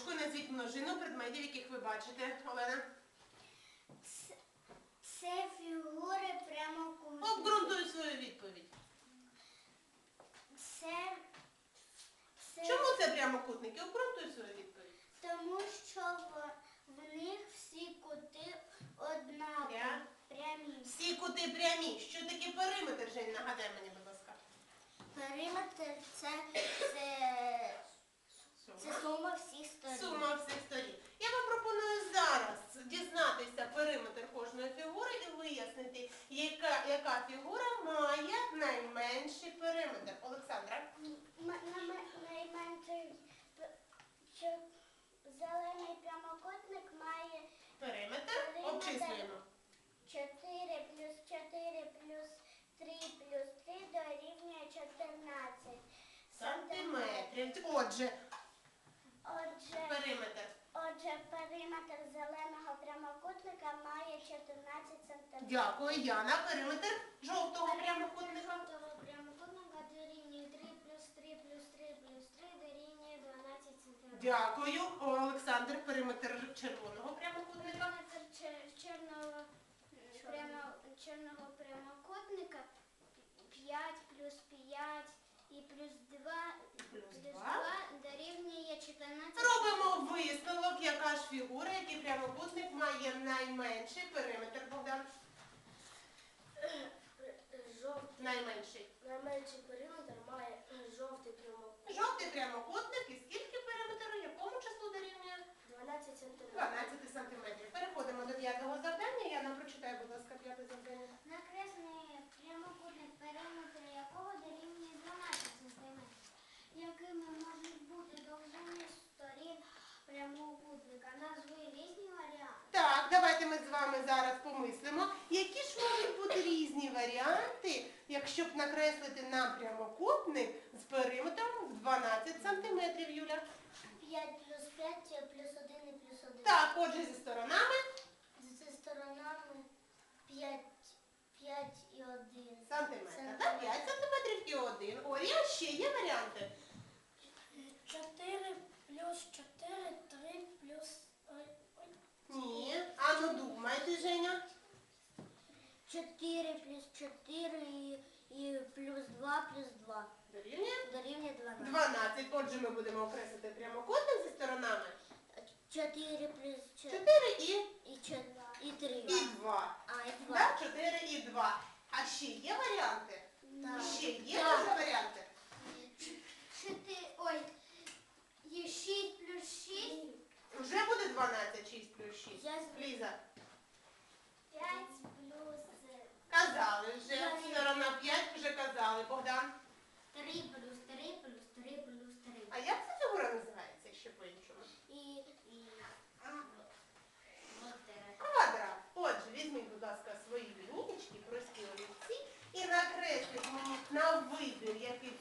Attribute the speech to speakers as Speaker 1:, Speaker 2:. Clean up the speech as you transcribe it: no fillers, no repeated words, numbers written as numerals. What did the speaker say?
Speaker 1: ручкою назвіть множину предметів, яких ви бачите, Олена.
Speaker 2: Це фігури прямокутники.
Speaker 1: Обґрунтуй свою відповідь.
Speaker 2: Це
Speaker 1: Чому це прямокутники? Обґрунтуй свою відповідь.
Speaker 2: тому що в них всі кути однакові, прямі.
Speaker 1: Всі кути прямі. Що таке периметр, Жень, нагадай мені, будь ласка.
Speaker 2: Периметр це сума всіх сторін.
Speaker 1: Сума всіх сторін. Я вам пропоную зараз дізнатися периметр кожної фігури і вияснити, яка фігура має найменший периметр. Олександра?
Speaker 2: Найменший зелений прямокутник має
Speaker 1: Периметр обчислюємо.
Speaker 2: 4 плюс 4 плюс 3 плюс 3 дорівнює 14
Speaker 1: Сантиметрів. Отже,
Speaker 2: периметр зеленого прямокутника має 14 сантиметрів.
Speaker 1: дякую, Яна. Периметр жовтого прямокутника.
Speaker 2: Жовтого прямокутника дорівнює 3 плюс 3 плюс 3 плюс 3 дорівнює 12 сантиметрів.
Speaker 1: Дякую. Олександр, периметр червоного прямокутника.
Speaker 2: Периметр чорного прямокутника 5 плюс 5 і плюс 2 дорівнює 14.
Speaker 1: Робимо висновок, яка ж фігура, який прямокутник має найменший периметр, Богдан. Найменший.
Speaker 2: Найменший периметр має жовтий прямокутник.
Speaker 1: Жовтий прямокутник і скільки периметру, якому числу дорівнює?
Speaker 2: 12 сантиметрів.
Speaker 1: 12 сантиметрів. Переходимо до 5-го завдання. Я нам прочитаю, будь ласка, 5-те завдання.
Speaker 2: Накресний прямокутник, периметр якого дорівнює 12 см. Якими можуть бути довжини сторін прямокутника? Назви різні варіанти.
Speaker 1: Так, давайте ми з вами зараз помислимо, які ж можуть бути різні варіанти, якщо б накреслити нам прямокутник з периметром в 12 сантиметрів, Юля.
Speaker 2: 5 плюс 5 плюс 1 і плюс 1.
Speaker 1: Так, отже, зі сторонами.
Speaker 2: Зі сторонами 5 і 1
Speaker 1: Сантиметр. Так, 5 сантиметрів і 1. Орія, ще є варіанти?
Speaker 2: 4 плюс 4, 3 плюс...
Speaker 1: Ні. А ну думайте, Женя.
Speaker 2: 4 плюс 4 і плюс 2 плюс 2.
Speaker 1: Дорівнює?
Speaker 2: Дорівнює 12.
Speaker 1: 12. Отже, ми будемо окреслити прямокутник зі сторонами.
Speaker 2: 4 плюс 4
Speaker 1: 4
Speaker 2: і 3.
Speaker 1: і 2.
Speaker 2: А, і 2.
Speaker 1: Так, 4 і 2. А ще є варіанти?
Speaker 2: Так.
Speaker 1: Ще є дуже варіанти?
Speaker 2: 6 плюс 6.
Speaker 1: Вже буде 12, 6 плюс 6. Ліза,
Speaker 2: 5 плюс...
Speaker 1: казали вже. Сторона 5 вже казали. Богдан.
Speaker 2: 3 плюс 3 плюс 3 плюс 3.
Speaker 1: А як ця фігура називається ще по-іншому? Квадрат. Отже, візьміть, будь ласка, свої лінійки, прості олівці і накресліть мені на вибір, який